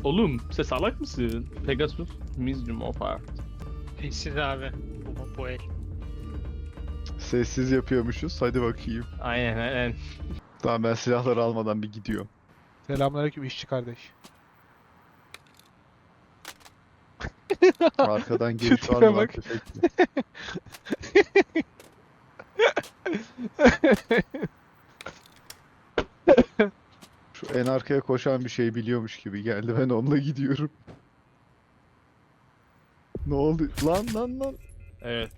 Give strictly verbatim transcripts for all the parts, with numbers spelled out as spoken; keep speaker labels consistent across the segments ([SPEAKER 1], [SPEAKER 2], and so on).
[SPEAKER 1] Oğlum sen salak mısın? Pegasus Museum of Art.
[SPEAKER 2] Sessiz abi. Bu, bu el.
[SPEAKER 3] Sessiz yapıyormuşuz. Hadi bakayım.
[SPEAKER 1] Aynen aynen.
[SPEAKER 3] Tamam ben silahları almadan bir gidiyorum.
[SPEAKER 4] Selamünaleyküm işçi kardeş.
[SPEAKER 3] Arkadan giriş
[SPEAKER 4] Tipe
[SPEAKER 3] var mı lan
[SPEAKER 4] bak.
[SPEAKER 3] tüfekli? Şu en arkaya koşan bir şey biliyormuş gibi geldi. Ben onunla gidiyorum. Ne oldu? Lan lan lan.
[SPEAKER 1] Evet.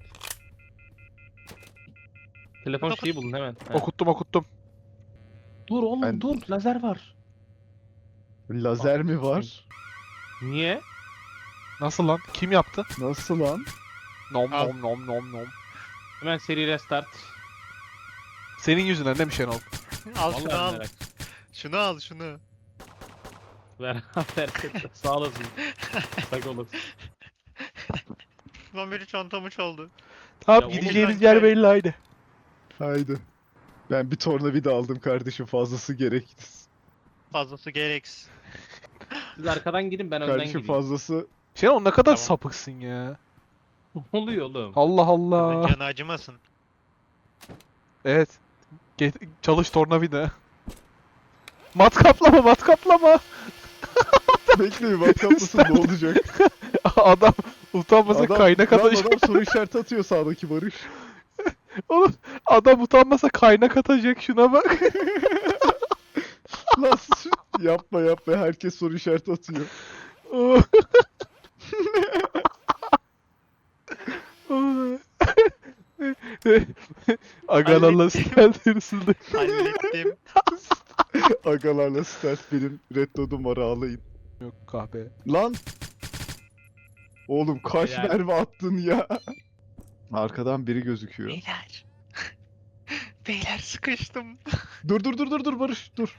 [SPEAKER 1] Telefon şeyi bulun hemen. Ha.
[SPEAKER 4] Okuttum okuttum.
[SPEAKER 1] Dur oğlum
[SPEAKER 3] Ben-
[SPEAKER 1] dur lazer var.
[SPEAKER 3] Lazer mi var?
[SPEAKER 1] Niye?
[SPEAKER 4] Nasıl lan? Kim yaptı?
[SPEAKER 3] Nasıl lan?
[SPEAKER 4] Nom
[SPEAKER 2] Al.
[SPEAKER 4] nom nom nom nom.
[SPEAKER 1] Hemen seri restart.
[SPEAKER 4] Senin yüzünden değil mi Şenol?
[SPEAKER 2] Al şunu
[SPEAKER 1] Vallahi
[SPEAKER 2] al.
[SPEAKER 1] merak.
[SPEAKER 2] Şunu al şunu.
[SPEAKER 1] Ver ver. Sağ olasın. Sağ olasın.
[SPEAKER 2] Lan biri çantamı çaldı.
[SPEAKER 4] Tamam
[SPEAKER 1] Ya
[SPEAKER 4] gideceğimiz
[SPEAKER 2] oğlum,
[SPEAKER 4] yer
[SPEAKER 2] ben-
[SPEAKER 4] belli haydi.
[SPEAKER 3] Haydi. Ben bir tornavida aldım kardeşim, fazlası gerekti.
[SPEAKER 2] Fazlası gereksiz.
[SPEAKER 1] Siz arkadan gidin ben önden
[SPEAKER 3] Kardeşim
[SPEAKER 1] gideyim.
[SPEAKER 3] fazlası
[SPEAKER 4] Şenol ne kadar
[SPEAKER 2] Tamam.
[SPEAKER 4] sapıksın ya.
[SPEAKER 1] Ne oluyor oğlum?
[SPEAKER 4] Allah Allah.
[SPEAKER 2] Canı acımasın.
[SPEAKER 4] Evet. Ge- çalış tornavida. Matkaplama matkaplama.
[SPEAKER 3] bekle bir matkaplasın ne olacak?
[SPEAKER 4] Adam utanmasa kaynak
[SPEAKER 3] lan
[SPEAKER 4] atacak.
[SPEAKER 3] adam soru işareti atıyor sağdaki Barış.
[SPEAKER 4] Oğlum adam utanmasa kaynak atacak şuna bak.
[SPEAKER 3] Lan sus. yapma yapma, herkes soru işareti atıyor.
[SPEAKER 4] Agalarla
[SPEAKER 2] Hallettim.
[SPEAKER 4] stealth hırsızlık.
[SPEAKER 2] Hallettim.
[SPEAKER 3] Agalarla stealth benim red dot'um var, ağlayın.
[SPEAKER 4] Yok kahpe.
[SPEAKER 3] Lan! Oğlum kaç
[SPEAKER 1] Helal.
[SPEAKER 3] mermi attın ya? Arkadan biri gözüküyor.
[SPEAKER 2] Beyler. Beyler sıkıştım.
[SPEAKER 3] Dur dur dur dur dur Barış dur.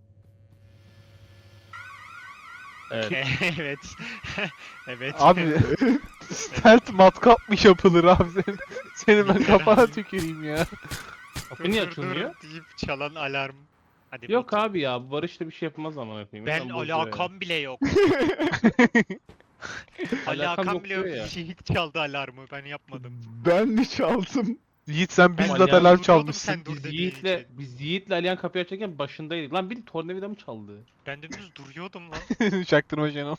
[SPEAKER 1] Evet.
[SPEAKER 2] evet. evet.
[SPEAKER 4] Abi stealth matkapmış yapılır abi senin. Senin ben kafana tüküreyim ya.
[SPEAKER 1] Kapı niye açılmıyor?
[SPEAKER 2] deyip çalan alarm. Hadi
[SPEAKER 1] Yok
[SPEAKER 2] bak.
[SPEAKER 1] abi ya bu Barış'la bir şey yapmaz ama yapayım.
[SPEAKER 2] Ben
[SPEAKER 1] İnsan bozuyor ya.
[SPEAKER 2] alakam bile yok.
[SPEAKER 1] Alakam
[SPEAKER 2] alakam
[SPEAKER 1] yok
[SPEAKER 2] bile
[SPEAKER 1] diyor
[SPEAKER 2] yok.
[SPEAKER 1] ya.
[SPEAKER 2] Şehit çaldı alarmı. Ben yapmadım.
[SPEAKER 3] Ben mi çaldım?
[SPEAKER 4] Yiğit sen
[SPEAKER 1] Ben
[SPEAKER 4] bizzat
[SPEAKER 1] yani
[SPEAKER 4] alarm
[SPEAKER 2] duruyordum,
[SPEAKER 4] çalmışsın.
[SPEAKER 2] sen dur
[SPEAKER 1] Biz
[SPEAKER 2] dediğin
[SPEAKER 1] Yiğit'le,
[SPEAKER 2] için.
[SPEAKER 1] biz Yiğit'le Alihan kapıyı açarken başındaydık. Lan bir tornavida mı çaldı?
[SPEAKER 2] Ben dümdüz duruyordum lan.
[SPEAKER 4] Çaktırma Şenol.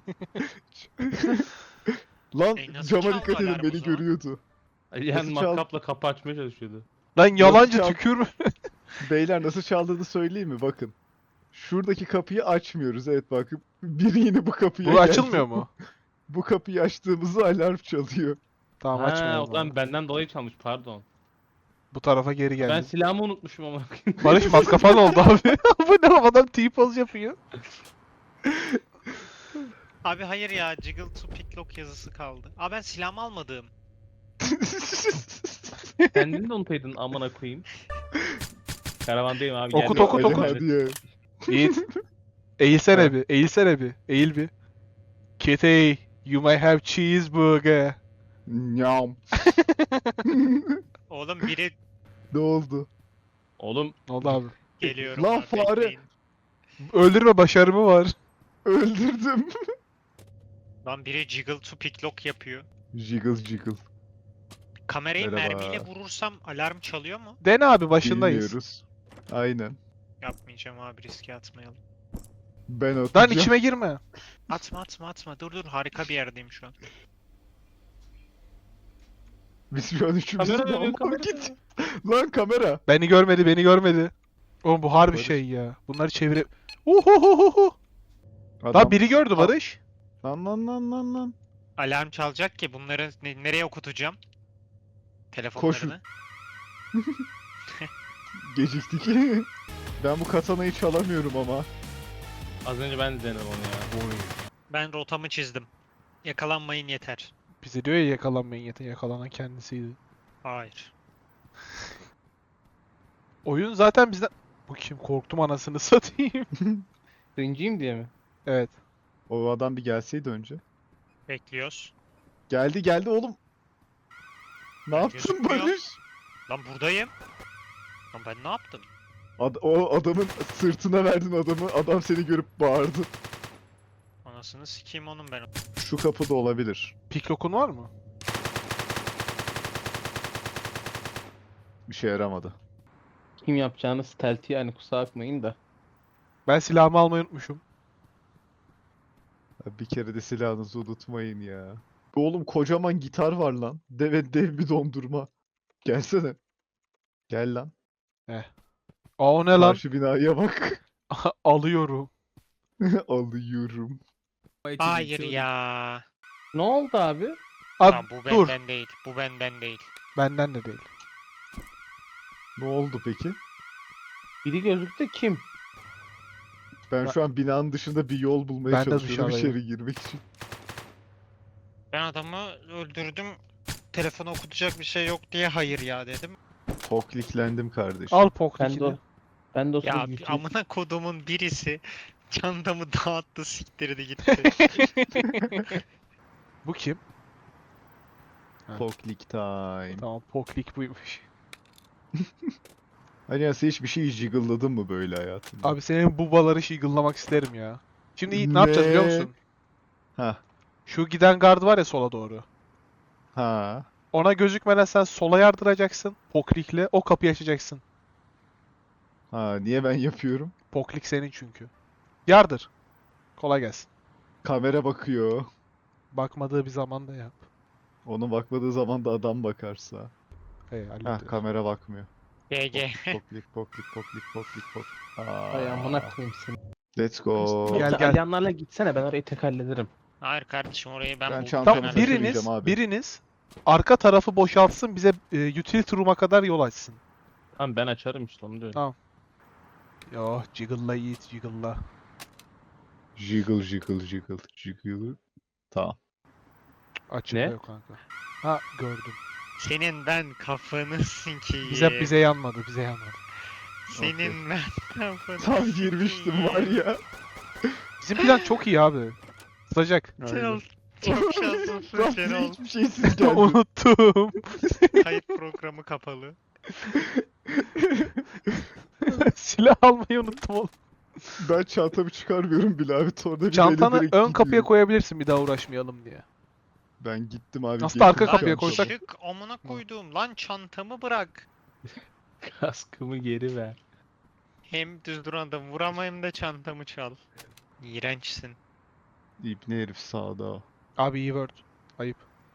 [SPEAKER 3] Lan
[SPEAKER 2] E, nasıl
[SPEAKER 3] cama
[SPEAKER 2] çaldı
[SPEAKER 3] dikkat edin,
[SPEAKER 2] alarm o
[SPEAKER 3] beni
[SPEAKER 2] zaman?
[SPEAKER 3] görüyordu.
[SPEAKER 1] Alihan
[SPEAKER 3] Nasıl çaldı?
[SPEAKER 1] matkapla kapı açmaya çalışıyordu.
[SPEAKER 4] Lan yalancı
[SPEAKER 3] çal-
[SPEAKER 4] tükürme.
[SPEAKER 3] Beyler nasıl çaldığını söyleyeyim mi? Bakın. Şuradaki kapıyı açmıyoruz. Evet bakın. Biri yine bu kapıya
[SPEAKER 4] Bu
[SPEAKER 3] geldi.
[SPEAKER 4] açılmıyor mu?
[SPEAKER 3] Bu kapıyı açtığımızda alarm çalıyor.
[SPEAKER 4] Tamam
[SPEAKER 1] Ha,
[SPEAKER 4] açmıyor.
[SPEAKER 1] o
[SPEAKER 4] o
[SPEAKER 1] zaman
[SPEAKER 4] zaman.
[SPEAKER 1] benden dolayı çalmış pardon.
[SPEAKER 4] Bu tarafa geri geldi.
[SPEAKER 1] Ben silahımı unutmuşum ama.
[SPEAKER 4] Barış matkafan oldu abi. Bu ne adam T-pose yapıyor.
[SPEAKER 2] Abi hayır ya. Jiggle to picklock yazısı kaldı. Aa ben silahımı almadım.
[SPEAKER 1] Kendini de unutaydın amına koyayım. Karavandayım abi.
[SPEAKER 4] Okut,
[SPEAKER 1] geldim.
[SPEAKER 4] okut,
[SPEAKER 3] Hadi,
[SPEAKER 4] okut.
[SPEAKER 3] hadi ya.
[SPEAKER 4] Yiğit. Eğilsene bir. Eğilsene bir. Eğil bir. Kitty, you may have cheeseburger.
[SPEAKER 3] Nyam.
[SPEAKER 2] Oğlum biri
[SPEAKER 3] Ne oldu?
[SPEAKER 1] Oğlum
[SPEAKER 4] Ne oldu abi?
[SPEAKER 2] geliyorum.
[SPEAKER 3] Lan
[SPEAKER 2] abi,
[SPEAKER 3] fare.
[SPEAKER 2] bekleyin.
[SPEAKER 4] Öldürme başarımı var.
[SPEAKER 3] Öldürdüm.
[SPEAKER 2] Lan biri jiggle to picklock yapıyor.
[SPEAKER 3] Jiggle jiggle.
[SPEAKER 2] Kamerayı
[SPEAKER 3] Merhaba.
[SPEAKER 2] mermiyle vurursam alarm çalıyor mu?
[SPEAKER 4] Dene abi başındayız.
[SPEAKER 3] Bilmiyoruz. Aynen.
[SPEAKER 2] Yapmayacağım abi, riske atmayalım.
[SPEAKER 3] Ben
[SPEAKER 4] Lan
[SPEAKER 3] atacağım.
[SPEAKER 4] içime girme.
[SPEAKER 2] Atma atma atma, dur dur, harika bir yerdeyim şu an.
[SPEAKER 3] Biz şu an üçümüz
[SPEAKER 1] kamera
[SPEAKER 3] de
[SPEAKER 1] dönüyor
[SPEAKER 3] ama
[SPEAKER 1] kamera.
[SPEAKER 3] git. Lan kamera.
[SPEAKER 4] Beni görmedi, beni görmedi. Oğlum bu harbi
[SPEAKER 3] Barış.
[SPEAKER 4] şey ya. Bunları çevire... Uhuhuhuhu. Lan biri gördü Barış.
[SPEAKER 3] Lan lan lan lan lan.
[SPEAKER 2] Alarm çalacak ki bunları ne- nereye okutacağım? Telefonlarını.
[SPEAKER 3] Geciktik. Ben bu katanayı çalamıyorum ama.
[SPEAKER 1] Az önce ben de denedim onu ya.
[SPEAKER 2] Ben rotamı çizdim. Yakalanmayın yeter.
[SPEAKER 4] Bize diyor ya yakalanmayın yeter. Yakalanan kendisiydi.
[SPEAKER 2] Hayır.
[SPEAKER 4] Oyun zaten bizden... Bu kim? Korktum anasını satayım.
[SPEAKER 1] Cringe'yim diye mi?
[SPEAKER 4] Evet.
[SPEAKER 3] O adam bir gelseydi önce.
[SPEAKER 2] Bekliyoruz.
[SPEAKER 3] Geldi geldi oğlum. Ne
[SPEAKER 2] Ben
[SPEAKER 3] yaptın
[SPEAKER 2] gözükmüyor.
[SPEAKER 3] Barış?
[SPEAKER 2] Lan buradayım. Lan ben ne yaptım?
[SPEAKER 3] Ad- o adamın sırtına verdin adamı. Adam seni görüp bağırdı.
[SPEAKER 2] Anasını sikeyim onun ben.
[SPEAKER 3] Şu kapıda olabilir.
[SPEAKER 4] Piklok'un var mı?
[SPEAKER 3] Bir şey yaramadı.
[SPEAKER 1] Kim yapacağını stealthy yani, kusura bakmayın da.
[SPEAKER 4] Ben silahımı almayı unutmuşum.
[SPEAKER 3] Ya bir kere de silahınızı unutmayın ya. Oğlum kocaman gitar var lan. Dev, dev bir dondurma. Gelsene. Gel lan.
[SPEAKER 4] Aa o ne lan?
[SPEAKER 3] Karşı binaya bak.
[SPEAKER 4] Alıyorum.
[SPEAKER 3] Alıyorum.
[SPEAKER 2] Hayır ya.
[SPEAKER 1] Ne oldu abi?
[SPEAKER 4] Abi
[SPEAKER 2] Lan bu
[SPEAKER 4] dur.
[SPEAKER 2] benden değil. Bu benden değil.
[SPEAKER 4] Benden de değil.
[SPEAKER 3] Ne oldu peki?
[SPEAKER 1] Biri gözüktü, kim?
[SPEAKER 3] Ben
[SPEAKER 4] Ben-
[SPEAKER 3] şu an binanın dışında bir yol bulmaya
[SPEAKER 4] Ben de
[SPEAKER 3] çalışıyorum
[SPEAKER 4] dışarıdayım.
[SPEAKER 3] içeri girmek için.
[SPEAKER 2] Ben adamı öldürdüm. Telefonu okutacak bir şey yok diye hayır ya dedim.
[SPEAKER 3] Pokliklendim kardeşim.
[SPEAKER 4] Al
[SPEAKER 1] Ben de
[SPEAKER 4] Poklik'ini.
[SPEAKER 1] o. Ben de o
[SPEAKER 2] Ya
[SPEAKER 1] sırada
[SPEAKER 2] bir
[SPEAKER 1] YouTube-
[SPEAKER 2] amına kodumun birisi çantamı dağıttı, siktirdi gitti.
[SPEAKER 4] Bu kim?
[SPEAKER 3] Poklik time.
[SPEAKER 4] Tamam Poklik buymuş.
[SPEAKER 3] Hani ya sen hiçbir şey jiggle'ladın mı böyle hayatında?
[SPEAKER 4] Abi senin bubaları shiggle'lamak isterim ya. Şimdi Yiğit ne yapacağız biliyor
[SPEAKER 3] Ne?
[SPEAKER 4] musun?
[SPEAKER 3] Ha.
[SPEAKER 4] Şu giden gard var ya sola doğru.
[SPEAKER 3] Ha.
[SPEAKER 4] Ona gözükmeden sen sola yardıracaksın. Poklik'le o kapıyı açacaksın.
[SPEAKER 3] Ha, niye ben yapıyorum?
[SPEAKER 4] Poklik senin çünkü. Yardır. Kolay gelsin.
[SPEAKER 3] Kamera bakıyor.
[SPEAKER 4] Bakmadığı bir zaman da yap.
[SPEAKER 3] Onun bakmadığı zaman da adam bakarsa.
[SPEAKER 4] Hey,
[SPEAKER 3] Ha,
[SPEAKER 4] hallediyoruz.
[SPEAKER 3] kamera bakmıyor.
[SPEAKER 2] G G.
[SPEAKER 3] Poklik, poklik, poklik, poklik, poklik. Aa.
[SPEAKER 1] Ay amına koyayım seni.
[SPEAKER 3] Let's go.
[SPEAKER 4] Gel,
[SPEAKER 1] Yoksa
[SPEAKER 4] gel.
[SPEAKER 1] alyanlarla gitsene, ben orayı tek hallederim.
[SPEAKER 2] Hayır kardeşim orayı ben,
[SPEAKER 3] Ben
[SPEAKER 2] buldum.
[SPEAKER 3] çantamı
[SPEAKER 4] Tamam
[SPEAKER 2] Ben
[SPEAKER 3] taşıyacağım
[SPEAKER 4] biriniz,
[SPEAKER 3] abi.
[SPEAKER 4] biriniz arka tarafı boşaltsın bize e, utility room'a kadar yol açsın.
[SPEAKER 1] Tamam, ben açarım işte, onu diyorum.
[SPEAKER 4] Tamam. Yo jiggle'la Yiğit jiggle'la.
[SPEAKER 3] Jiggle, jiggle, jiggle, jiggle. Tamam.
[SPEAKER 4] Açıkta
[SPEAKER 1] Ne?
[SPEAKER 4] yok kanka. Ha gördüm.
[SPEAKER 2] Senin ben kafanı sikeyim.
[SPEAKER 4] Bize bize yanmadı, bize yanmadı.
[SPEAKER 2] Senin ben kafanı
[SPEAKER 3] Tam girmiştim var ya.
[SPEAKER 4] Bizim plan çok iyi abi. Sıcak.
[SPEAKER 2] Şenol. Çok şanslısın
[SPEAKER 3] Tam
[SPEAKER 2] Şenol.
[SPEAKER 3] hiçbir şeysiz geldim.
[SPEAKER 4] Unuttum.
[SPEAKER 2] Kayıt programı kapalı.
[SPEAKER 4] Silah almayı unuttum oğlum.
[SPEAKER 3] Ben çantamı çıkarmıyorum bile abi. Tornavidayla
[SPEAKER 4] Çantanı
[SPEAKER 3] direkt
[SPEAKER 4] ön kapıya
[SPEAKER 3] gidiyorum.
[SPEAKER 4] koyabilirsin bir daha uğraşmayalım diye.
[SPEAKER 3] Ben gittim abi.
[SPEAKER 4] Aslında arka
[SPEAKER 3] getirdim
[SPEAKER 4] kapıya
[SPEAKER 3] çantamı.
[SPEAKER 4] koysak-
[SPEAKER 2] Çık amına koyduğum lan çantamı bırak.
[SPEAKER 1] Kaskımı geri ver.
[SPEAKER 2] Hem düz duran adam vuramayayım da çantamı çal. İğrençsin.
[SPEAKER 3] İbni herif sağda.
[SPEAKER 4] Abi iyi word. Ayıp.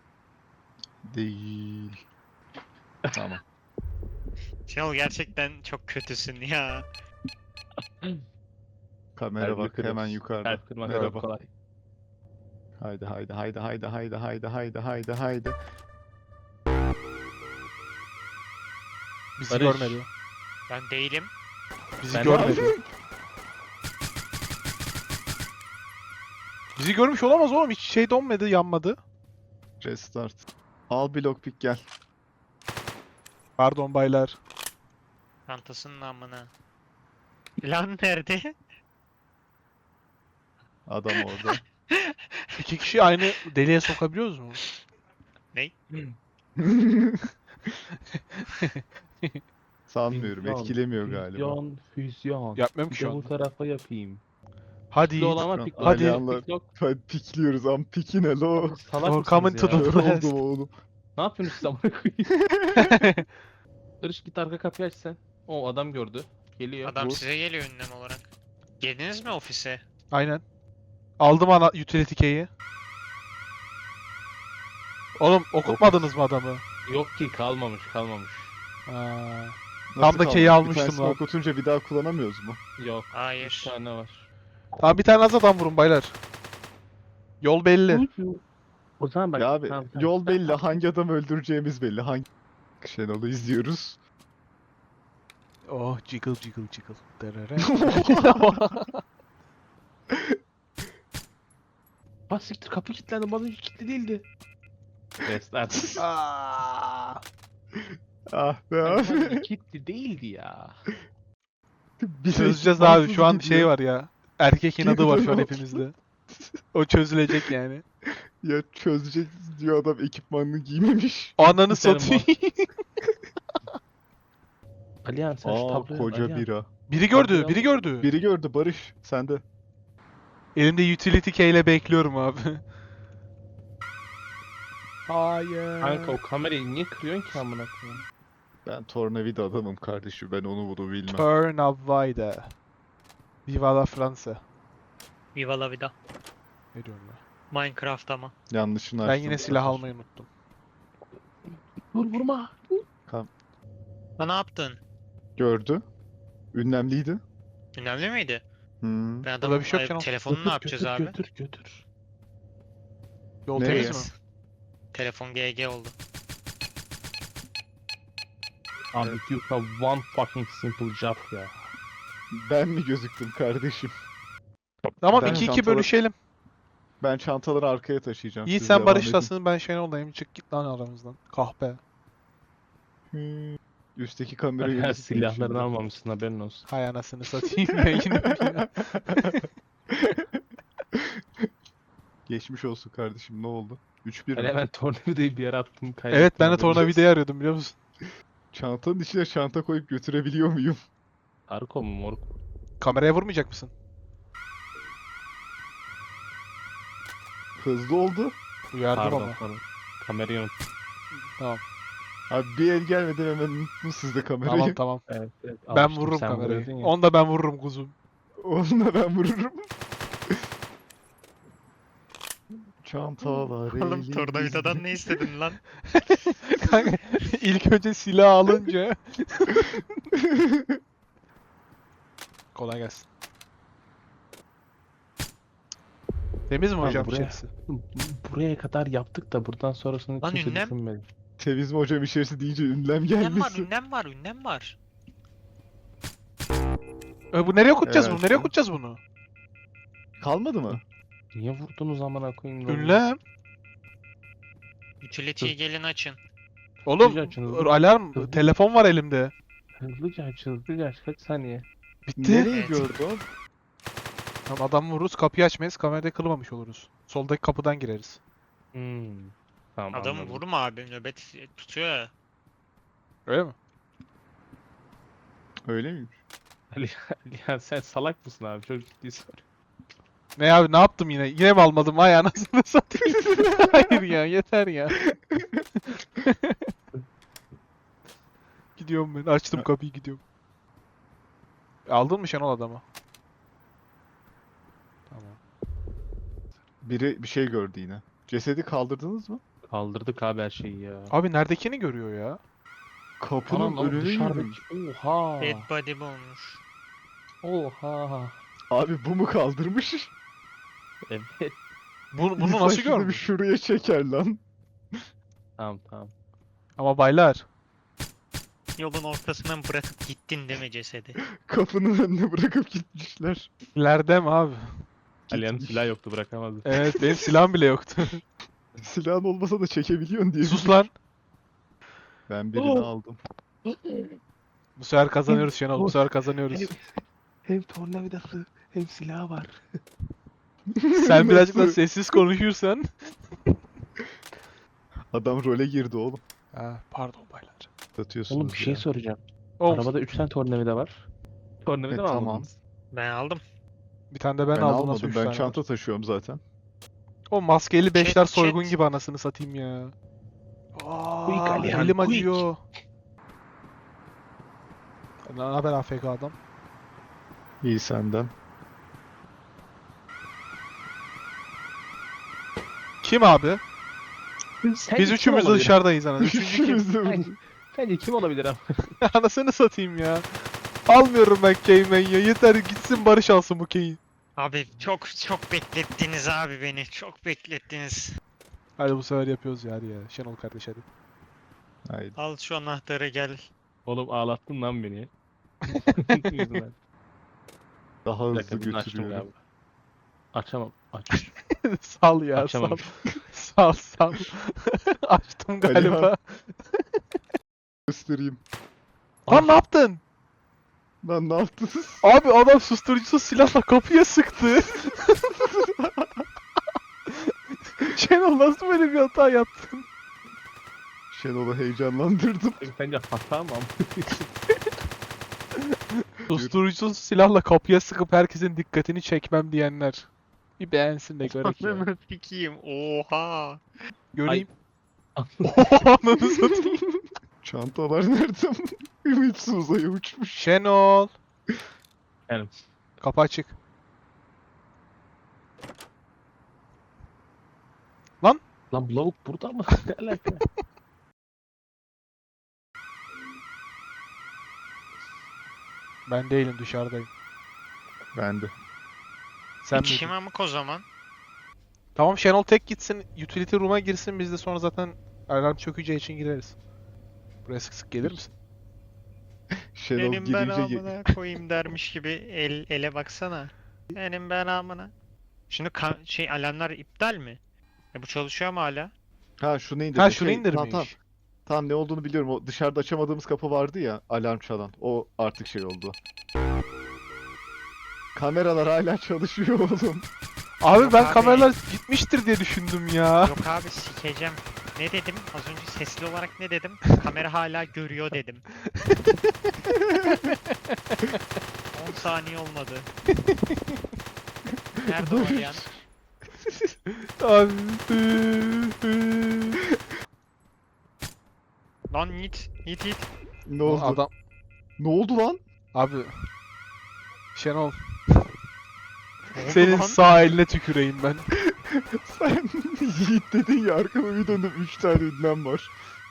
[SPEAKER 3] Değil. Tamam.
[SPEAKER 2] Şenol gerçekten çok kötüsün ya.
[SPEAKER 3] Kamera
[SPEAKER 1] Kalbini
[SPEAKER 3] bak
[SPEAKER 1] kırıyoruz.
[SPEAKER 3] hemen yukarıda.
[SPEAKER 1] Kalp kırmak
[SPEAKER 3] Merhaba.
[SPEAKER 1] çok kolay.
[SPEAKER 3] Haydi haydi haydi haydi haydi haydi haydi haydi haydi.
[SPEAKER 4] Bizi
[SPEAKER 1] Barış.
[SPEAKER 4] görmedi.
[SPEAKER 2] Ben değilim.
[SPEAKER 4] Bizi
[SPEAKER 1] Ben-
[SPEAKER 4] görmedi. Bizi görmüş olamaz oğlum. Hiç şey donmadı, yanmadı.
[SPEAKER 3] Restart. Al bir lockpick gel.
[SPEAKER 4] Pardon baylar.
[SPEAKER 2] Çantasının amına. Lan nerede?
[SPEAKER 3] Adam orada.
[SPEAKER 4] İki kişi aynı deliğe sokabiliyoruz mu?
[SPEAKER 3] Sanmıyorum.
[SPEAKER 1] Füzyon,
[SPEAKER 3] Etkilemiyor galiba.
[SPEAKER 1] Füzyon, füzyon.
[SPEAKER 4] Yapmıyorum
[SPEAKER 1] Bir
[SPEAKER 4] ki şu
[SPEAKER 1] de bu
[SPEAKER 4] anda.
[SPEAKER 1] tarafa yapayım.
[SPEAKER 4] Hadi
[SPEAKER 1] Pikli
[SPEAKER 4] Yiğit.
[SPEAKER 1] olama
[SPEAKER 3] Hadi.
[SPEAKER 1] pikli.
[SPEAKER 4] Hadi.
[SPEAKER 3] Alyanlar-
[SPEAKER 1] Piklok.
[SPEAKER 3] Hadi pikliyoruz am pikine lo.
[SPEAKER 1] Salak
[SPEAKER 4] Or
[SPEAKER 1] mısınız
[SPEAKER 4] coming to
[SPEAKER 1] ya?
[SPEAKER 4] the-
[SPEAKER 3] Kör
[SPEAKER 4] Blast.
[SPEAKER 3] oldum oğlum.
[SPEAKER 1] Ne yapıyorsunuz siz amına koyayım? Barış git arka kapıyı aç sen. O adam gördü. Geliyor.
[SPEAKER 2] Adam
[SPEAKER 3] Vur.
[SPEAKER 2] size geliyor ünlem olarak. Geldiniz mi ofise?
[SPEAKER 4] Aynen. Aldım ana utility key'i. Oğlum okutmadınız mı adamı?
[SPEAKER 1] Yok ki, kalmamış kalmamış.
[SPEAKER 4] Aa.
[SPEAKER 3] Nasıl
[SPEAKER 4] da keyi
[SPEAKER 3] kaldı?
[SPEAKER 4] almıştım
[SPEAKER 3] Bir tanesini
[SPEAKER 4] lan.
[SPEAKER 3] okutunca bir daha kullanamıyoruz mu?
[SPEAKER 1] Yok. Bir
[SPEAKER 2] Hayır.
[SPEAKER 1] tane var.
[SPEAKER 4] Tamam bir tane az adam vurun baylar. Yol belli.
[SPEAKER 1] O zaman bak.
[SPEAKER 3] ya abi
[SPEAKER 1] tamam, tamam.
[SPEAKER 3] yol belli. Hangi adamı öldüreceğimiz belli. Hangi Şenol'u izliyoruz.
[SPEAKER 4] Oh jiggle jiggle jiggle. Derere.
[SPEAKER 1] Ha siktir, kapı kilitlendi. Bana hiç kilitli değildi. Restart.
[SPEAKER 4] Aa.
[SPEAKER 3] Ah be abi.
[SPEAKER 1] Kilitli değildi ya.
[SPEAKER 3] Bir
[SPEAKER 4] Çözeceğiz
[SPEAKER 3] ekipmansız
[SPEAKER 4] abi şu an
[SPEAKER 3] gidiyor.
[SPEAKER 4] şey var ya. Erkek inadı var şu an
[SPEAKER 3] Gidiyor.
[SPEAKER 4] hepimizde. O çözülecek yani.
[SPEAKER 3] Ya çözecek diyor adam ekipmanını giymemiş.
[SPEAKER 4] Ananı
[SPEAKER 1] Biterim
[SPEAKER 4] satayım.
[SPEAKER 1] Alihan sen şu
[SPEAKER 3] Aa
[SPEAKER 1] tabloya
[SPEAKER 3] koca
[SPEAKER 1] Alihan.
[SPEAKER 3] bira.
[SPEAKER 4] Biri gördü,
[SPEAKER 1] Tabloya
[SPEAKER 4] biri
[SPEAKER 1] bak.
[SPEAKER 4] gördü.
[SPEAKER 3] Biri gördü Barış sende.
[SPEAKER 4] Elimde utility key ile bekliyorum abi. Hayır.
[SPEAKER 1] Kanka o kamerayı niye kırıyorsun ki amına koyayım?
[SPEAKER 3] Ben tornavida adamım kardeşim. Ben onu bunu bilmem.
[SPEAKER 4] Turn of Vida. Viva la Fransa.
[SPEAKER 2] Viva la vida.
[SPEAKER 4] Ne diyorum ben?
[SPEAKER 2] Minecraft ama.
[SPEAKER 3] Yanlışını
[SPEAKER 4] Ben
[SPEAKER 3] açtım
[SPEAKER 4] yine
[SPEAKER 3] bu
[SPEAKER 4] silah
[SPEAKER 3] sefer.
[SPEAKER 4] almayı unuttum.
[SPEAKER 1] Vur vurma.
[SPEAKER 2] Ha, ne yaptın?
[SPEAKER 3] Gördü. Ünlemliydi.
[SPEAKER 2] Önemli miydi?
[SPEAKER 3] Hmm.
[SPEAKER 2] Ben adamın
[SPEAKER 4] bir şey yok
[SPEAKER 2] ay,
[SPEAKER 4] canım.
[SPEAKER 2] telefonunu ne yapacağız
[SPEAKER 1] götür,
[SPEAKER 2] abi?
[SPEAKER 1] Götür götür.
[SPEAKER 4] Yol
[SPEAKER 3] Nereye?
[SPEAKER 4] temiz mi?
[SPEAKER 2] Telefon G G oldu.
[SPEAKER 1] Abi you have one fucking simple job ya.
[SPEAKER 3] Ben mi gözüktüm kardeşim?
[SPEAKER 4] Tamam
[SPEAKER 3] Ben
[SPEAKER 4] iki iki
[SPEAKER 3] çantaları-
[SPEAKER 4] bölüşelim.
[SPEAKER 3] Ben çantaları arkaya taşıyacağım.
[SPEAKER 4] Yiğit
[SPEAKER 3] siz
[SPEAKER 4] sen
[SPEAKER 3] devam
[SPEAKER 4] Barış'lasın ben Şenol'dayım. Çık git lan aramızdan. Kahpe.
[SPEAKER 3] edin. Hmm. Üstteki kamerayı
[SPEAKER 1] Her
[SPEAKER 3] unutmayın
[SPEAKER 1] silahlarını
[SPEAKER 3] şimdi.
[SPEAKER 1] almamışsın haberin olsun.
[SPEAKER 4] Hay anasını satayım ben yine ya.
[SPEAKER 3] Geçmiş olsun kardeşim, ne oldu? üç bir
[SPEAKER 1] Ben
[SPEAKER 3] mi?
[SPEAKER 1] hemen tornavidayı bir yere attım kaybettim.
[SPEAKER 4] Evet ben de
[SPEAKER 1] haberin olsun.
[SPEAKER 4] tornavidayı arıyordum biliyor musun?
[SPEAKER 3] Çantanın içine çanta koyup götürebiliyor muyum?
[SPEAKER 1] Arko mu moruk?
[SPEAKER 4] Kameraya vurmayacak mısın?
[SPEAKER 3] Hızlı oldu.
[SPEAKER 4] Uyardım
[SPEAKER 1] Pardon
[SPEAKER 4] ama.
[SPEAKER 1] pardon. Kamerayı unut.
[SPEAKER 4] Tamam.
[SPEAKER 3] Abi bir el gelmeden hemen unuttum siz de kamerayı.
[SPEAKER 4] Tamam tamam.
[SPEAKER 1] Evet, evet,
[SPEAKER 4] Ben
[SPEAKER 1] almıştım,
[SPEAKER 4] vururum
[SPEAKER 1] sen
[SPEAKER 4] kamerayı.
[SPEAKER 1] vuruyordun ya.
[SPEAKER 4] Onu da ben vururum kuzum.
[SPEAKER 3] Onunla ben vururum. Çantalar
[SPEAKER 2] Oğlum
[SPEAKER 3] elimizde.
[SPEAKER 2] tornavidadan ne istedin lan?
[SPEAKER 4] Kanka ilk önce silah alınca. Kolay gelsin. Temiz mi
[SPEAKER 1] Abi
[SPEAKER 4] hocam
[SPEAKER 1] buraya-
[SPEAKER 4] içerisi?
[SPEAKER 1] Buraya kadar yaptık da buradan sonrasını
[SPEAKER 2] Lan
[SPEAKER 1] kimse
[SPEAKER 2] ünlem.
[SPEAKER 1] düşünmedi.
[SPEAKER 3] Temiz mi hocam içerisi deyince ünlem
[SPEAKER 2] Ünlem var,
[SPEAKER 3] gelmesin.
[SPEAKER 2] ünlem var, ünlem var.
[SPEAKER 4] E, bu nereye okutacağız bunu?
[SPEAKER 3] Evet.
[SPEAKER 4] Nereye okutacağız bunu?
[SPEAKER 3] Kalmadı mı?
[SPEAKER 1] Niye vurdunuz amına koyayım? lan?
[SPEAKER 4] Ünlem.
[SPEAKER 2] Utility'yi gelin açın.
[SPEAKER 4] Oğlum
[SPEAKER 1] Hızlıca açın, hızlıca.
[SPEAKER 4] alarm.
[SPEAKER 1] Hızlı.
[SPEAKER 4] Telefon var elimde.
[SPEAKER 1] Hızlıca aç hızlıca aç kaç saniye?
[SPEAKER 4] Bitti.
[SPEAKER 3] Nereye
[SPEAKER 2] Evet.
[SPEAKER 3] gördü o?
[SPEAKER 4] Tamam adam vururuz kapıyı açmayız kamerada kılmamış oluruz. Soldaki kapıdan gireriz.
[SPEAKER 1] Hmm. Tamam
[SPEAKER 2] Adamı
[SPEAKER 1] anladım.
[SPEAKER 2] vurma abi, nöbet tutuyor ya.
[SPEAKER 4] Öyle mi?
[SPEAKER 3] Öyle miymiş?
[SPEAKER 1] Ali, Ali ya sen salak mısın abi? Çok ciddi soruyorum.
[SPEAKER 4] Ne abi ne yaptım yine? Yine mi almadım? Ay anasını satayım. Hayır ya yeter ya. Gidiyorum ben. Açtım kapıyı gidiyorum. Aldın mı Şenol adamı? Tamam.
[SPEAKER 3] Biri bir şey gördü yine. Cesedi kaldırdınız mı?
[SPEAKER 1] Kaldırdık abi her şeyi ya.
[SPEAKER 4] Abi neredekini görüyor ya?
[SPEAKER 3] Kapının
[SPEAKER 1] Anam ama
[SPEAKER 3] önüne
[SPEAKER 1] dışarıdaki.
[SPEAKER 3] yürümüş.
[SPEAKER 1] Oha.
[SPEAKER 2] Dead body bulmuş.
[SPEAKER 1] Oha.
[SPEAKER 3] Abi bu mu kaldırmış?
[SPEAKER 1] Evet.
[SPEAKER 4] Bu, bunu
[SPEAKER 3] İnsan
[SPEAKER 4] nasıl
[SPEAKER 3] şunu bir
[SPEAKER 4] görmüş?
[SPEAKER 3] şuraya çeker lan.
[SPEAKER 1] Tamam tamam.
[SPEAKER 4] Ama baylar.
[SPEAKER 2] Yolun ortasından bırakıp gittin değil mi cesedi?
[SPEAKER 3] Kapının önüne bırakıp gitmişler.
[SPEAKER 4] İleride mi abi?
[SPEAKER 1] Ali'nin
[SPEAKER 3] Gitmiş.
[SPEAKER 1] silah yoktu bırakamazdı.
[SPEAKER 4] Evet benim silahım bile yoktu.
[SPEAKER 3] Silahın olmasa da çekebiliyorsun diye.
[SPEAKER 4] Sus lan.
[SPEAKER 3] Ben birini
[SPEAKER 1] Oh.
[SPEAKER 3] aldım.
[SPEAKER 4] Bu sefer kazanıyoruz Şenol. Bu sefer kazanıyoruz.
[SPEAKER 1] Hem, hem tornavidası hem silahı var.
[SPEAKER 4] Sen birazcık da
[SPEAKER 3] Nasıl?
[SPEAKER 4] sessiz konuşursan.
[SPEAKER 3] Adam role girdi oğlum.
[SPEAKER 4] Ha, pardon baylar.
[SPEAKER 3] Satıyorsunuz
[SPEAKER 1] Oğlum bir şey
[SPEAKER 3] ya.
[SPEAKER 1] soracağım.
[SPEAKER 4] Oğlum,
[SPEAKER 1] Arabada üç tane tornavida var. Tornavida
[SPEAKER 3] E,
[SPEAKER 1] mı
[SPEAKER 3] tamam.
[SPEAKER 1] almadınız?
[SPEAKER 2] Ben aldım.
[SPEAKER 4] bir tane de ben,
[SPEAKER 3] Ben,
[SPEAKER 4] aldım nasıl
[SPEAKER 3] almadım.
[SPEAKER 4] üç
[SPEAKER 3] Ben
[SPEAKER 4] tane
[SPEAKER 3] çanta
[SPEAKER 4] var?
[SPEAKER 3] taşıyorum zaten.
[SPEAKER 4] O maskeli beşler
[SPEAKER 2] Chat,
[SPEAKER 4] soygun
[SPEAKER 2] chat.
[SPEAKER 4] gibi anasını satayım ya.
[SPEAKER 1] Quick
[SPEAKER 4] Aa,
[SPEAKER 1] Alihan,
[SPEAKER 4] elim
[SPEAKER 1] quick.
[SPEAKER 4] acıyor. Ne haber A F K adam?
[SPEAKER 3] İyi senden.
[SPEAKER 4] Kim abi?
[SPEAKER 1] Sen
[SPEAKER 4] Biz
[SPEAKER 1] kim
[SPEAKER 4] üçümüz de
[SPEAKER 1] olabilir?
[SPEAKER 4] dışarıdayız anasını. Üçüncü kim?
[SPEAKER 3] Üçümüz de burada.
[SPEAKER 1] Sence- Sence kim olabilir ama?
[SPEAKER 4] Anasını satayım ya. Almıyorum ben Keymen ya. Yeter gitsin Barış alsın bu Key'i.
[SPEAKER 2] Abi çok çok beklettiniz abi beni. Çok beklettiniz.
[SPEAKER 4] Hadi bu sefer yapıyoruz ya hadi ya. Şenol kardeş hadi.
[SPEAKER 3] Haydi.
[SPEAKER 2] Al şu anahtarı gel.
[SPEAKER 1] Oğlum ağlattın lan beni. Yüzünden.
[SPEAKER 3] Daha
[SPEAKER 1] Bir
[SPEAKER 3] hızlı
[SPEAKER 1] dakika bunu açtım
[SPEAKER 3] götürüyorum.
[SPEAKER 1] galiba. Açamam. Aç.
[SPEAKER 4] sal ya
[SPEAKER 1] Açamam.
[SPEAKER 4] sal. Sal sal. Açtım galiba.
[SPEAKER 3] Alihan. Göstereyim.
[SPEAKER 4] Lan ne yaptın?
[SPEAKER 3] Lan ne yaptınız?
[SPEAKER 4] Abi adam susturucusuz silahla kapıya sıktı. Şenol nasıl böyle bir hata yaptın?
[SPEAKER 3] Şenol'u heyecanlandırdım.
[SPEAKER 1] Sence hata mı?
[SPEAKER 4] Susturucusuz silahla kapıya sıkıp herkesin dikkatini çekmem diyenler. Bir beğensin de görek ya.
[SPEAKER 2] Ananı sikeyim. Oha.
[SPEAKER 4] Göreyim. Oha ananı satayım.
[SPEAKER 3] Çantalar nerede? Ümitsiz uzaya uçmuş.
[SPEAKER 4] Şenol.
[SPEAKER 1] Yani
[SPEAKER 4] Kapı açık.
[SPEAKER 1] lan bu lavuk burada mı? Ne alaka?
[SPEAKER 4] Ben değilim, dışarıdayım.
[SPEAKER 3] Ben de.
[SPEAKER 4] Sen
[SPEAKER 2] Bir kişi
[SPEAKER 4] miydin?
[SPEAKER 2] mi amık o zaman?
[SPEAKER 4] Tamam, Şenol tek gitsin, utility room'a girsin, biz de sonra zaten alarm çökeceği için gireriz. Buraya sık sık gelir misin?
[SPEAKER 3] Şenol
[SPEAKER 2] Benim ben
[SPEAKER 3] girince ge-
[SPEAKER 2] amına koyayım dermiş gibi el ele baksana. Benim ben amına. Şimdi ka- şey alarmlar iptal mi? E bu çalışıyor mu hala?
[SPEAKER 3] Ha şunu indir.
[SPEAKER 4] Ha şunu
[SPEAKER 3] Şey, Tamam, tamam.
[SPEAKER 4] indirmiş.
[SPEAKER 3] Tamam ne olduğunu biliyorum. O dışarıda açamadığımız kapı vardı ya, alarm çalan. O artık şey oldu. Kameralar hala çalışıyor oğlum.
[SPEAKER 4] Abi
[SPEAKER 2] Yok
[SPEAKER 4] ben
[SPEAKER 2] abi.
[SPEAKER 4] kameralar gitmiştir diye düşündüm ya.
[SPEAKER 2] Yok abi sikeceğim. Ne dedim? Az önce sesli olarak ne dedim? Kamera hala görüyor dedim. on saniye olmadı. Nerede o yan?
[SPEAKER 4] Abi.
[SPEAKER 2] Lan Yiğit, Yiğit Yiğit.
[SPEAKER 3] Ne oldu?
[SPEAKER 4] Adam.
[SPEAKER 3] Ne oldu lan?
[SPEAKER 4] Abi. Şenol.
[SPEAKER 2] Ne oldu
[SPEAKER 4] Senin
[SPEAKER 2] lan?
[SPEAKER 4] sağ eline tüküreyim ben.
[SPEAKER 3] Sen Yiğit dedin ya, arkama bir döndüm üç tane ünlem var.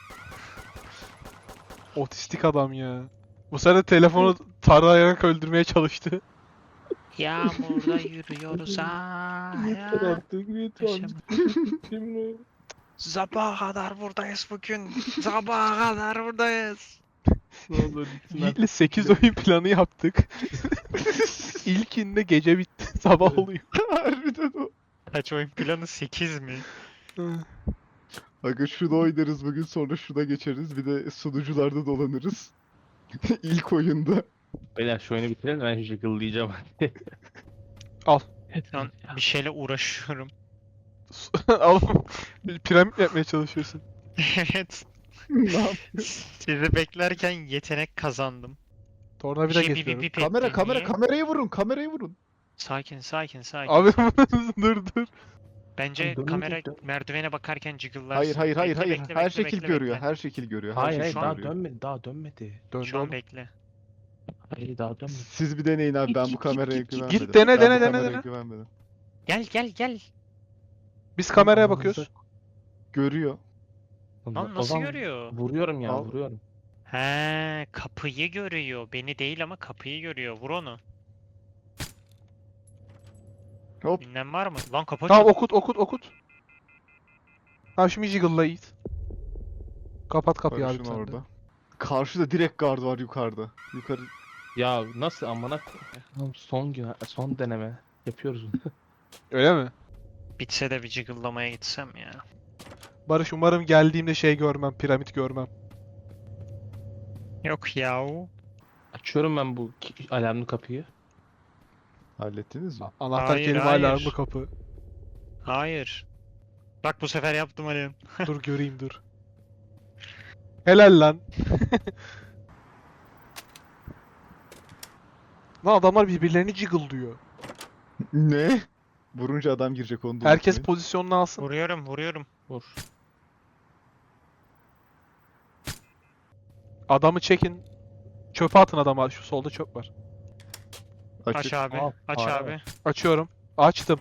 [SPEAKER 4] Otistik adam ya. Bu sefer telefonu tarayarak öldürmeye çalıştı.
[SPEAKER 2] Yağmurda yürüyoruz ha.
[SPEAKER 1] Yeter artık yeter.
[SPEAKER 2] Yaşam.
[SPEAKER 1] Şimdi
[SPEAKER 2] Sabaha kadar buradayız bugün. Sabaha kadar buradayız.
[SPEAKER 1] ne olur gitsin artık.
[SPEAKER 4] Yiğit'le sekiz oyun planı yaptık. İlkinde gece bitti. Sabah oluyor.
[SPEAKER 3] Harbiden o.
[SPEAKER 2] Kaç oyun planı? sekiz mi?
[SPEAKER 3] Aga şunu oynarız bugün, sonra şuna geçeriz. Bir de sunucularda dolanırız. İlk oyunda.
[SPEAKER 1] Beyler şu oyunu bitirelim ben şu jiggle
[SPEAKER 4] Al.
[SPEAKER 2] Lan bir şeyle uğraşıyorum.
[SPEAKER 4] Al. Piramit mi yapmaya çalışıyorsun?
[SPEAKER 2] Evet.
[SPEAKER 3] Ne yap-
[SPEAKER 2] Sizi beklerken yetenek kazandım.
[SPEAKER 4] Tornavida
[SPEAKER 2] Şey, bir- bir-
[SPEAKER 4] getiriyorum.
[SPEAKER 2] bir-
[SPEAKER 3] Kamera
[SPEAKER 2] ettim.
[SPEAKER 3] kamera
[SPEAKER 2] Niye?
[SPEAKER 3] kameraya vurun, kameraya vurun.
[SPEAKER 2] Sakin sakin sakin.
[SPEAKER 4] Abi
[SPEAKER 2] sakin.
[SPEAKER 4] dur dur.
[SPEAKER 2] Bence
[SPEAKER 1] Dönmeyecek,
[SPEAKER 2] kamera
[SPEAKER 1] dön-
[SPEAKER 2] merdivene bakarken jiggle'larsın.
[SPEAKER 3] Hayır hayır hayır
[SPEAKER 2] Bekle,
[SPEAKER 3] hayır.
[SPEAKER 2] bekle,
[SPEAKER 3] her
[SPEAKER 2] bekle,
[SPEAKER 3] şekil
[SPEAKER 2] bekle,
[SPEAKER 3] görüyor.
[SPEAKER 2] bekle.
[SPEAKER 3] Her şekil görüyor. Her
[SPEAKER 1] Hayır
[SPEAKER 3] şekil
[SPEAKER 1] hayır daha
[SPEAKER 3] görüyor.
[SPEAKER 1] dönmedi daha dönmedi.
[SPEAKER 4] Döndü
[SPEAKER 2] Şu an
[SPEAKER 4] oğlum.
[SPEAKER 2] bekle.
[SPEAKER 1] Hayır daha dönmedi.
[SPEAKER 3] Siz bir deneyin abi,
[SPEAKER 1] Git,
[SPEAKER 3] ben
[SPEAKER 1] git,
[SPEAKER 3] bu
[SPEAKER 1] git,
[SPEAKER 3] kameraya
[SPEAKER 1] git, git.
[SPEAKER 3] güvenmedim.
[SPEAKER 4] Git, dene,
[SPEAKER 3] Ben bu
[SPEAKER 4] dene, dene,
[SPEAKER 3] kameraya
[SPEAKER 4] dene.
[SPEAKER 3] güvenmedim.
[SPEAKER 2] Gel gel gel.
[SPEAKER 4] Biz kameraya
[SPEAKER 1] Amanıza-
[SPEAKER 4] bakıyoruz.
[SPEAKER 3] Görüyor.
[SPEAKER 2] Lan
[SPEAKER 1] O
[SPEAKER 2] nasıl
[SPEAKER 1] zaman
[SPEAKER 2] görüyor?
[SPEAKER 1] Vuruyorum ya
[SPEAKER 3] Al.
[SPEAKER 1] vuruyorum.
[SPEAKER 2] He, kapıyı görüyor. Beni değil ama kapıyı görüyor. Vur onu.
[SPEAKER 3] Hop.
[SPEAKER 2] Ünlem var mı? Lan kapı
[SPEAKER 4] Tamam
[SPEAKER 2] açıldı.
[SPEAKER 4] okut okut okut. Tamam şimdi jiggle'la Yiğit. Kapat kapıyı abi
[SPEAKER 3] Barış'ın
[SPEAKER 4] sen de.
[SPEAKER 3] orada. Karşıda direkt guard var yukarıda. Yukarı.
[SPEAKER 1] Ya nasıl amına koyayım? Son gün son deneme yapıyoruz bunu.
[SPEAKER 4] Öyle mi?
[SPEAKER 2] Bitse de bir jiggle'lamaya gitsem ya.
[SPEAKER 4] Barış umarım geldiğimde şey görmem, piramit görmem.
[SPEAKER 2] Yok yahu.
[SPEAKER 1] Açıyorum ben bu ki- alarmlı kapıyı.
[SPEAKER 3] Hallettiniz mi?
[SPEAKER 4] Anahtar
[SPEAKER 2] Hayır,
[SPEAKER 4] kelime
[SPEAKER 2] hayır.
[SPEAKER 4] alarmlı kapı.
[SPEAKER 2] Hayır. Bak bu sefer yaptım Ali.
[SPEAKER 4] Dur göreyim dur. Helal lan. Lan adamlar birbirlerini jiggle'lıyor.
[SPEAKER 3] Ne? Vurunca adam girecek, onu da
[SPEAKER 4] Herkes
[SPEAKER 3] unutmayın.
[SPEAKER 4] pozisyonunu alsın.
[SPEAKER 2] Vuruyorum vuruyorum.
[SPEAKER 1] Vur.
[SPEAKER 4] Adamı çekin. Çöpe atın adamı. Şu solda çöp var.
[SPEAKER 2] Aç
[SPEAKER 3] Açık.
[SPEAKER 2] abi.
[SPEAKER 1] Al,
[SPEAKER 2] Aç
[SPEAKER 1] al,
[SPEAKER 2] abi.
[SPEAKER 4] Açıyorum. Açtım.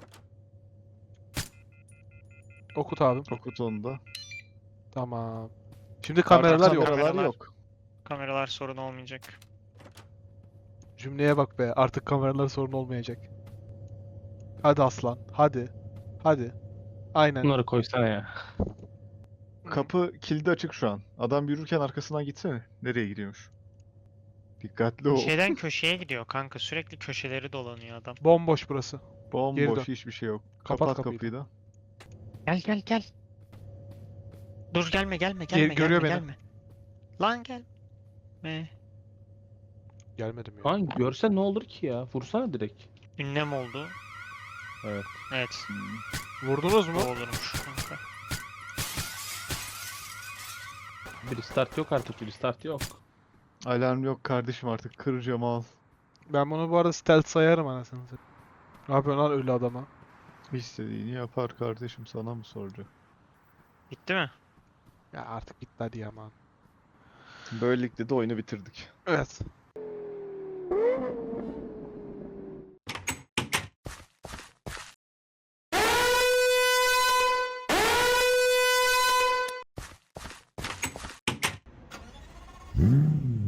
[SPEAKER 4] Okut abi.
[SPEAKER 3] Okut onu da.
[SPEAKER 4] Tamam. Şimdi kameralar
[SPEAKER 2] Pardon,
[SPEAKER 4] yok.
[SPEAKER 3] Kameralar
[SPEAKER 2] Kameralar.
[SPEAKER 3] yok.
[SPEAKER 2] Kameralar sorun olmayacak.
[SPEAKER 4] Cümleye bak be. Artık kameralar sorun olmayacak. Hadi aslan. Hadi. Hadi. Aynen.
[SPEAKER 1] Bunları koysana ya.
[SPEAKER 3] Kapı kilidi açık şu an. Adam yürürken arkasından gitsene. Nereye gidiyormuş? Dikkatli ol.
[SPEAKER 2] Köşeden köşeye gidiyor kanka. Sürekli köşeleri dolanıyor adam.
[SPEAKER 4] Bomboş burası. Geri
[SPEAKER 3] Bomboş,
[SPEAKER 4] dön.
[SPEAKER 3] hiçbir şey yok.
[SPEAKER 4] Kapat
[SPEAKER 3] Kapat,
[SPEAKER 4] kapıyı
[SPEAKER 3] kapıyı da.
[SPEAKER 2] Gel gel gel. Dur gelme gelme
[SPEAKER 4] Gel-
[SPEAKER 2] gelme
[SPEAKER 4] görüyor
[SPEAKER 2] gelme
[SPEAKER 4] beni.
[SPEAKER 2] gelme. Lan gel. Me.
[SPEAKER 4] Gelmedim ya.
[SPEAKER 1] Lan görse ne olur ki ya? Vursana direkt.
[SPEAKER 2] Ünlem oldu.
[SPEAKER 1] Evet.
[SPEAKER 2] Evet.
[SPEAKER 3] Hmm.
[SPEAKER 4] Vurdunuz
[SPEAKER 2] Bu
[SPEAKER 4] mu?
[SPEAKER 2] olurmuş kanka.
[SPEAKER 1] Bir restart yok artık bir restart yok.
[SPEAKER 3] Alarm yok kardeşim, artık kıracağım al.
[SPEAKER 4] Ben bunu bu arada stealth sayarım anasını satayım. Ne yapıyorsun lan ölü adama?
[SPEAKER 3] İstediğini yapar kardeşim, sana mı soracak?
[SPEAKER 2] Bitti mi?
[SPEAKER 4] Ya artık bitti hadi ya aman.
[SPEAKER 3] Böylelikle de oyunu bitirdik.
[SPEAKER 4] Evet.
[SPEAKER 3] Hmm.